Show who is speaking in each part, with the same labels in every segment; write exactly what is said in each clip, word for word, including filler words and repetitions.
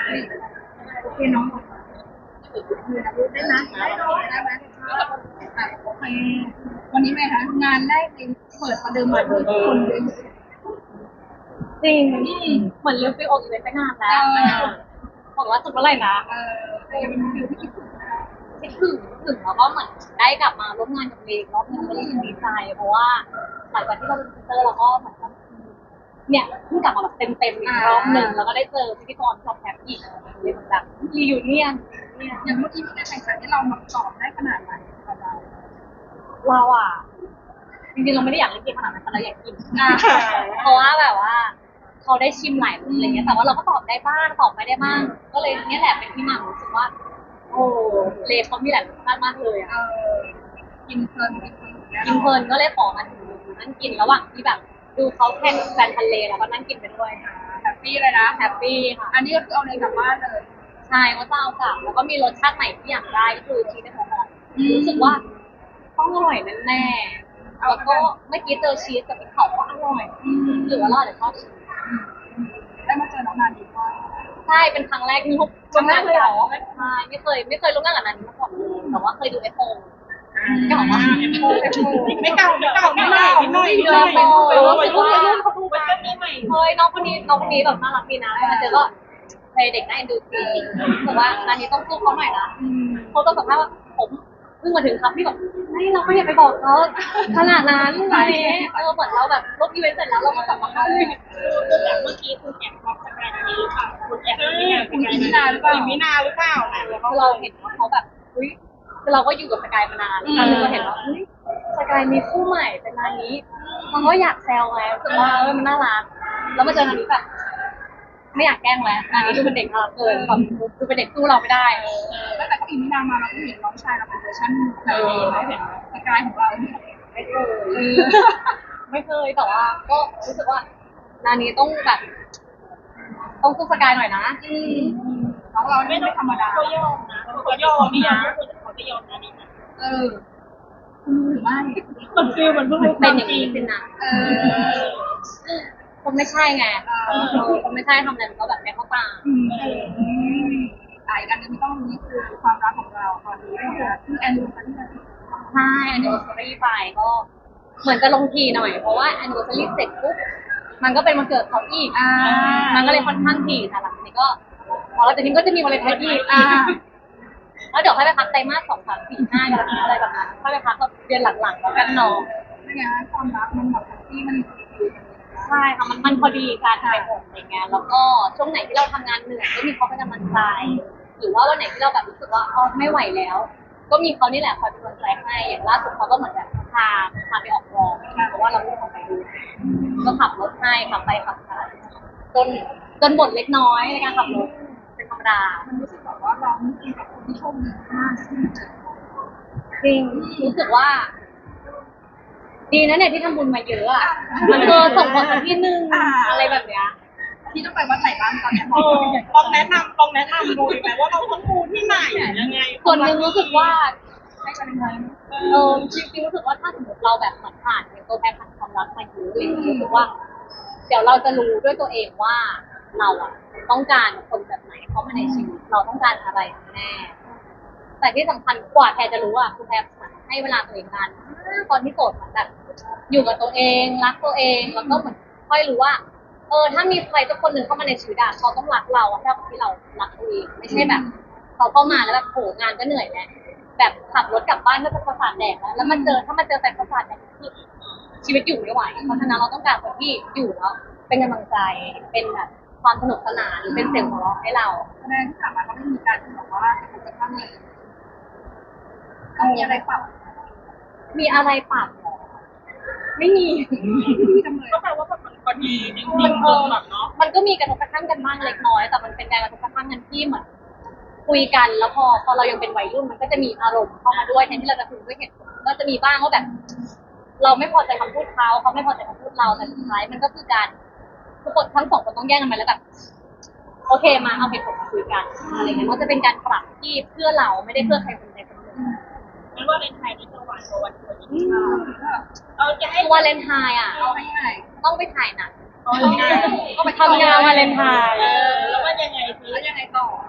Speaker 1: โอเคน้องได้นะได้ไหมได้ไหมอ่ะโอเควันนี้ไหมคะงานแรกเองเปิดประเดิมมาด้วยคนเยอะ
Speaker 2: จริงเหมือนเรื่องฟิโออีเวนต์ไปนานแล้วบอกว่าสุดเมื่อไหร่นะ
Speaker 1: เออเออเป็นฟิลที่คิดถึง
Speaker 2: คิดถึงถึงแล้วก็เหมือนได้กลับมาร่วมงานกับเองรอบนึงก็รู้สึกดีใจเพราะว่าหลังจากที่เราเป็นพรีเซนเตอร์เราก็เหมือนกับเนี่ยเพิ่งกลับมาแบบเต็มเต็มอีกรอบหนึ่งแล้วก็ได้เจอพิธีกรชอบแฮปปี้เลยเหมือนแบบรีวิวเนียนเนี่ย
Speaker 1: อย่างเมื่อกี้มีการแข่งขันที่เรามาตอบได้ขนาดไหนกับเรา
Speaker 2: เราอ่ะจริงๆเราไม่ได้อยากเล่นเกมขนาดนั้นแต่เราอยากกินเพราะว่าแบบว่าเขาได้ชิมหลายรสอะไรเงี้ยแต่ว่าเราก็ตอบได้บ้างตอบไม่ได้บ้างก็เลยเนี่ยแหละเป็นที่มารู้สึกว่าโอ้เลเขามีหลายรสชาติมากเลย
Speaker 1: เอ
Speaker 2: อ่ะ
Speaker 1: อกินเพลินกินเพลิน
Speaker 2: กินเพลินก็เลยขอมาถึงนั่งกินระหว่างที่แบบดูเขาแข่งแฟนทะเลแล้วก็นั่งกินไปด้วย
Speaker 1: แฮปปี้เลยนะ
Speaker 2: แฮปปี้ค่ะ
Speaker 1: อันนี้ก็คือเอาเลยกลับบ้านเลย
Speaker 2: ใช่ก็จะเอากลับแล้วก็มีรสชาติใหม่ที่อยากได้ก็คือชีสในหัวหอมรู้สึกว่าต้องอร่อยแน่ๆแล้วก็เมื่อกี้เจอชีสกับพริกเผาก็อร่อยหรือว่าเราอาจจะชอบชีส
Speaker 1: ได้มาเจอน้องนาดีว่า
Speaker 2: ใช่เป็นครั้งแรกที่ร่วมงานกับใช่ไม่เคยไม่เคยร่วมงานกับนันมาก่อนเลยแต่ว่าเคยดูเอฟโฟเก่ามาก
Speaker 3: ไม่เก่าไม่เก่าไม่ใหม่ไม่ใหม่ไม่ใหม่
Speaker 2: รู้สึกว่าเขาดูแบบเฮ้ยน้องคนนี้น้องคนนี้แบบน่ารักดีนะมาเจอก็เพลเด็กน่าเอ็นดูจริงแต่ว่าอันนี้ต้องสู้เขาหน่อยนะเขาต้องสัมภาษณ์ว่าผมเพิ่งมาถึงครับพี่แบบไม่เราไม่อยากไปบอกเขาขนาดนั้นอะไรเออเหมือนเราแบบลบอีเวนต์เสร็จแล้วเราก็กลับมาเข้าเลย
Speaker 3: คือแบบเมื่อกี้คุณแอบบอกสกายนี้หรือเปล่าคุณแอบคุณ
Speaker 1: อิมินาหรือเปล่า
Speaker 3: อิมินาหรือเปล่านะ
Speaker 2: เราเห็นว่าเขาแบบอุ้ยคือเราก็อยู่กับสกายมานานแล้วเราเห็นว่าอุ้ยสกายมีคู่ใหม่เป็นนานนี้มันก็อยากแซวไงรู้สึกว่าเออมันน่ารักแล้วมาเจอนานนี้แบบไม่อยากแกล้งแล้วนานนี้ดูเป็นเด็กน่ารักเกินแบบดูเป็นเด็กสู้เราไม่ได้
Speaker 1: ตั้งแต่เขาอิมินามาเราก็เห็นน้องชายเราเป็นเวอร์ชันแบบนี้ไหมเห็นสกายของเรา
Speaker 2: ไม่เคยไม่เคยแต่ว่าก็รู้สึกว่านานนี้ต้องแบบต้องสู้สกายหน่อยนะ
Speaker 1: น้องเราไม่ไม่ธรรมดา
Speaker 3: เขายอมนะเขายอมนี่นะเขาจะยอมนะนี่นะ
Speaker 1: เออหรือไม่
Speaker 3: มันฟิลมันเพิ่งรู้
Speaker 2: เป็นอย่างนี้สินะ
Speaker 1: เออ
Speaker 2: คนไม่ใช่ไงคนไม่ใช่ทำอะไรมันก็แบบไม่เข้าตา
Speaker 1: อ่าอีกอันนึงที่ต้องรู้นี่คือความรักของเราตอนนี้นะคะคือแอนดูกันที่ไหน
Speaker 2: ใช่แอนนิวเซอรี่ไปก็เหมือนจะลงทีหน่อยเพราะว่าแอนนิวเซอรี่เสร็จปุ๊บมันก็เป็นวันเกิดเขาอีกมันก็เลยค่อนข้างทีแต่หลังนี้ก็พอแล้วจากนี้ก็จะมีวันเลยท้ายอีกแล้วเดี๋ยวค่อยไปพักไตรมาสสองสามสี่ห้าอะไรแบบนั้นค่อยไปพักแบบเดือนหลังๆแล้วกันเนาะ
Speaker 1: นี่ไงความรักมันแบบที่มัน
Speaker 2: ใช่ค่ะมันมันพอดีการไปหมดอะไรเงี้ยแล้วก็ช่วงไหนที่เราทำงานเหนื่อยก็มีเขาเป็นกำลังใจหรือว่าวันไหนที่เราแบบรู้สึกว่าอ๋อไม่ไหวแล้วก็มีเขานี่แหละคอยเป็นกำลังใจให้อย่างล่าสุดเขาก็เหมือนแบบพาพาไปออกกองเพราะว่าเราไม่ได้ไปดูก็ขับรถให้ขับไปขับมาจนจนบ่นเล็กน้อยในการขับรถเป็นธรรมดา
Speaker 1: มันรู้สึกแบบว่าเรานี่เป็นแบบคนที่โชคดีมากที่มาเจอ
Speaker 2: จริงรู้สึกว่าดีนะเนี่ยที่ทำบุญมาเยอะอ่ะมันเออส่งผลสักที่นึงอะไรแบบเนี้ย
Speaker 1: ที่ต้องไปวัดไหนบ้างตอนนี้
Speaker 3: ลองแนะนำลองแนะนำดูไหมว่าเราต้องดูที่ไหนยังไง
Speaker 2: ส่วนหนึ่งรู้สึกว่าให้กันยังไงเออจริงๆรู้สึกว่าถ้าสมมติเราแบบผ่านเป็นตัวแทนผ่านความรักมาเยอะเลยรู้สึกว่าเดี๋ยวเราจะรู้ด้วยตัวเองว่าเราอ่ะต้องการคนแบบไหนเข้ามาในชีวิตเราต้องการอะไรแน่แต่ที่สำคัญกว่าแพรจะรู้อ่ะคือแพรให้เวลาตัวเองนานตอนที่โสดเหมือนแบบอยู่กับตัวเองรักตัวเองแล้วก็เหมือนค่อยรู้ว่าเออถ้ามีใครสักคนหนึ่งเข้ามาในชีวิตอะเขาต้องรักเราเท่ากับที่เรารักตัวเองไม่ใช่แบบเขาเข้ามาแล้วแบบโหงานก็เหนื่อยแล้วแบบขับรถกลับบ้านก็จะประสาทแดกแล้วแล้วมาเจอถ้ามาเจอแฟนประสาทแดกคือชีวิตอยู่ไม่ไหวเพราะฉะนั้นเราต้องการคนที่อยู่แล้วเป็นกำลังใจเป็นแบบความสนุกสนานหรือเป็นเสียงหัวเราะให้เรา
Speaker 1: แสดงที่ผ่านมาก็ไม่มีการที่บอกว่าจะกระทั่งเลยก็มีอะไรปรับ
Speaker 2: มีอะไรปรับไม่มี
Speaker 3: ก็แปลว่าแบบมันพอดีจริงๆมันแบบเนาะ
Speaker 2: มันก็มีกระทบกระทั่งกันบ้างเล็กน้อยแต่มันเป็นการกระทบกระทั่งกันที่เหมือนคุยกันแล้วพอพอเรายังเป็นวัยรุ่นมันก็จะมีอารมณ์เข้ามาด้วยแทนที่เราจะคุยด้วยเหตุผลก็จะมีบ้างว่าแบบเราไม่พอใจคำพูดเขาเขาไม่พอใจคำพูดเราแต่สุดท้ายมันก็คือการทุกคนทั้งสองคนต้องแยกกันไปแล้วแบบโอเคมาเอาเหตุผลมาคุยกันอะไรเงี้ยมันจะเป็นการปรับที่เพื่อเราไม่ได้เพื่อใครคนใดคนหนึ่ง
Speaker 3: งั้นว่าในไทยนี่จะหวานกว่าวันอื่นเอาจะให้
Speaker 2: วาเลนไทน์อ่ะ
Speaker 1: เอาให้ไง
Speaker 2: ต้องไปถ่ายหนัง
Speaker 3: ก็
Speaker 2: ไปทำงานวาเลนไทน์
Speaker 3: แล้วมันยังไง
Speaker 1: แล้วยังไงต่อ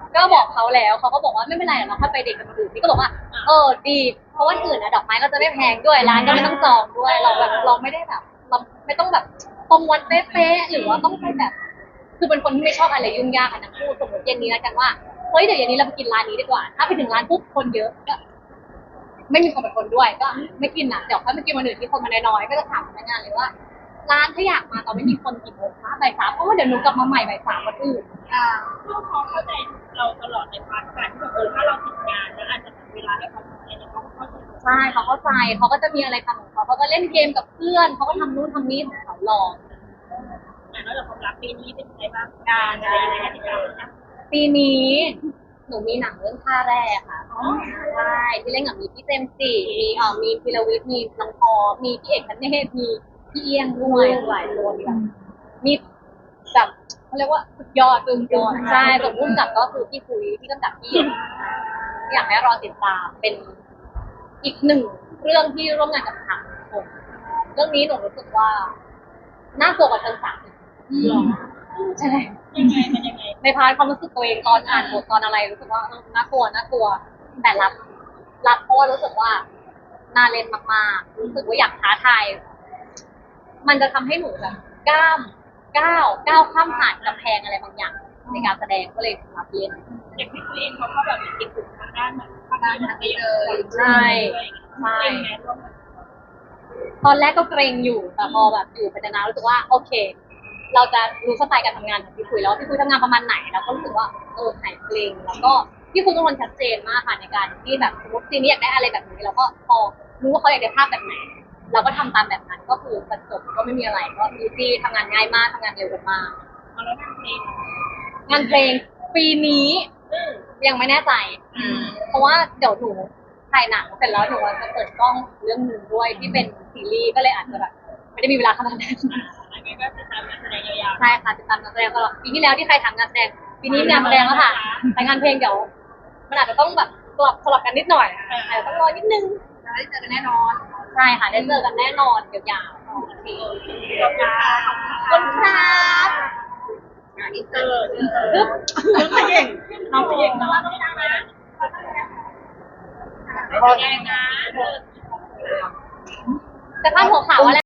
Speaker 2: ก็บอกเขาแล้วเขาก็บอกว่าไม่เป็นไรเราค่อยไปเด็กกันอื่นนี่ก็บอกว่าเออดีเพราะว่าอื่นอะดอกไม้ก็จะไม่แพงด้วยร้านก็ไม่ต้องจองด้วยเราแบบเราไม่ได้แบบเราไม่ต้องแบบตรงวันเป๊ะๆหรือว่าต้องไปแบบ คือเป็นคนที่ไม่ชอบอะไรยุ่งยากอะนะพูดสมมติเย็นนี้แล้วกันว่าเฮ้ยเดี๋ยวเย็นนี้เราไปกินร้านนี้ดีกว่า ถ้าไปถึงร้านปุ๊บคนเยอะก็ ไม่มีคนเป็นคนด้วยก็ไม่กินอ่ะเดี๋ยวค่อยมากินวันอื่นที่คนมาน้อยๆก็จะถามพนักงานเลยว่า ร้านถ้าอยากมาตอนไม่มีคนกี่โมงคะบ่ายสามเพราะว่าเดี๋ยวหนูกลับมาใหม่บ่ายสามวันอื่น
Speaker 1: อ่า
Speaker 3: ลูกเขาเข้าใจเราตลอดในพาร์ทการที่แบบเออถ้าเราติดงานแล้วอาจจะมีเวลาให้เขาทำอะไรเนี่ยเขาก็เข้าใจ
Speaker 2: ใช่เขาเข้าใจเขาก็จะมีอะไรทำของเขาเขาก็เล่นเกมกับเพื่อนเขาก็ทำนู่นทำนี่ของเขารอ
Speaker 3: แต่นอกจากความรักปีนี้เป็นไงบ้างงานอะไรยังไงให้ติดตามนะ
Speaker 2: ปีนี้หนูมีหนังเรื่องท่าแรกค่ะใช่ที่เล่นกับมีพี่เจมส์จีมีเอ่อมีพิรวิทย์มีน้องพอมีพี่เอกคเนศมีพี่เอี้ยงด้วยหลายคนแบบมีแบบเขาเรียกว่าสุดยอดจนยอดใช่ส่วนพุ่มกับก็คือพี่คุยที่กำกับพี่อยากให้รอติดตามเป็นอีกหนึ่งเรื่องที่ร่วมงานกับทางผมเรื่องนี้หนูรู้สึกว่าน่ากลัวกว่าเชิงสามอีก
Speaker 3: หรอ
Speaker 2: ใช่
Speaker 3: ยังไงมันยังไง
Speaker 2: ในพาร์ทความรู้สึกตัวเองตอนอ่านบทตอนอะไรรู้สึกว่าเออน่ากลัวน่ากลัว แต่รับรับเพราะว่ารู้สึกว่าน่าเล่นมากๆรู้สึกว่าอยากท้าทายมันจะทำให้หนูแบบก้ามก้าวก้าวข้ามผ่านกำแพงอะไรบางอย่าง ในการแสดงก็เลยรับเล่น
Speaker 3: อย่างที่ตัวเองเขาก็แบบมีติดถึงทางด้านแบบทางด้านนักเรียน
Speaker 2: ใช่ใช่
Speaker 3: เป็นไงร่วมกัน
Speaker 2: ตอนแรกก็เกรงอยู่แต่พอแบบอยู่ไปนานๆรู้สึกว่าโอเค เราจะรู้สไตล์การทำงานของพี่คุยแล้วว่าพี่คุยทำงานประมาณไหนเราก็รู้สึกว่าเออหายเกรงแล้วก็พี่คุยเป็นคนชัดเจนมากค่ะในการที่แบบสมมติซีนี้อยากได้อะไรแบบนี้เราก็พอรู้ว่าเขาอยากได้ภาพแบบไหน เราก็ทำตามแบบนั้นก็คือประจบก็ไม่มีอะไรก็อีซี่ทำงานง่ายมากทำงานเร็วกันมาก
Speaker 3: เอาแล้วงานเพลง
Speaker 2: งานเพลงปีนี้ยังไม่แน่ใจ เพราะว่าเดี๋ยวหนูถ่ายหนังเสร็จแล้วหนูจะเปิดกล้องเรื่องหนึ่งด้วยที่เป็นซีรีส์ก็เลยอาจจะแบบไม่ได้มีเวลาขนาดนั้น
Speaker 3: อันนี้ก็ติดตามงานแสดงยาว
Speaker 2: ใช่ค่ะติดตามงานแสดงตลอดปีที่แล้วที่ใครทำงานแสดงปีนี้งานแสดงแล้วค่ะแต่งานเพลงเดี๋ยวมันอาจจะต้องแบบสลับสลับกันนิดหน่อยอาจจะต้องรอนิดนึง
Speaker 1: จะได้เจอกันแน่นอน
Speaker 2: ใช่ค่ะได้เจอกันแน่นอนยาวๆโอเค
Speaker 3: ๆขอบคุณค่ะ
Speaker 2: ขอบคุณครับ
Speaker 1: อ่ะอินเตอร์อินเตอร์
Speaker 2: ปึ๊บ
Speaker 3: น้องเก่งน้องเก่งแต่ว่าต้องดังนะต้องแดงนะ
Speaker 2: แต่ภาพหัวข่าวอะไร